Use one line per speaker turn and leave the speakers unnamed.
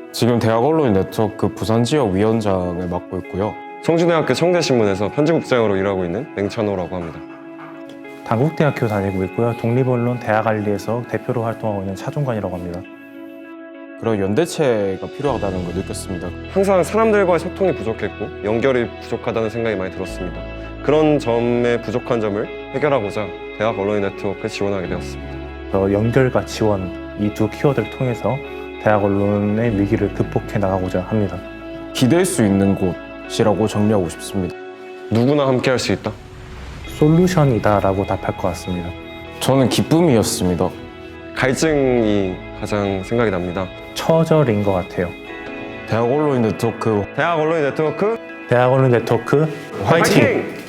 지금 대학 언론인 네트워크 부산 지역 위원장을 맡고 있고요.
성주대학교 청대신문에서 편집국장으로 일하고 있는 맹찬호라고 합니다.
단국대학교 다니고 있고요. 독립언론 대학알리에서 대표로 활동하고 있는 차종관이라고 합니다.
그런 연대체가 필요하다는 걸 느꼈습니다.
항상 사람들과의 소통이 부족했고 연결이 부족하다는 생각이 많이 들었습니다. 그런 점의 부족한 점을 해결하고자 대학 언론인 네트워크에 지원하게 되었습니다.
연결과 지원 이 두 키워드를 통해서 대학 언론의 위기를 극복해 나가고자 합니다.
기댈 수 있는 곳이라고 정리하고 싶습니다.
누구나 함께 할 수 있다.
솔루션이다라고 답할 것 같습니다.
저는 기쁨이었습니다.
갈증이 가장 생각이 납니다.
처절인 것 같아요.
대학 언론인 네트워크
대학 언론인 네트워크
대학 언론 네트워크 화이팅!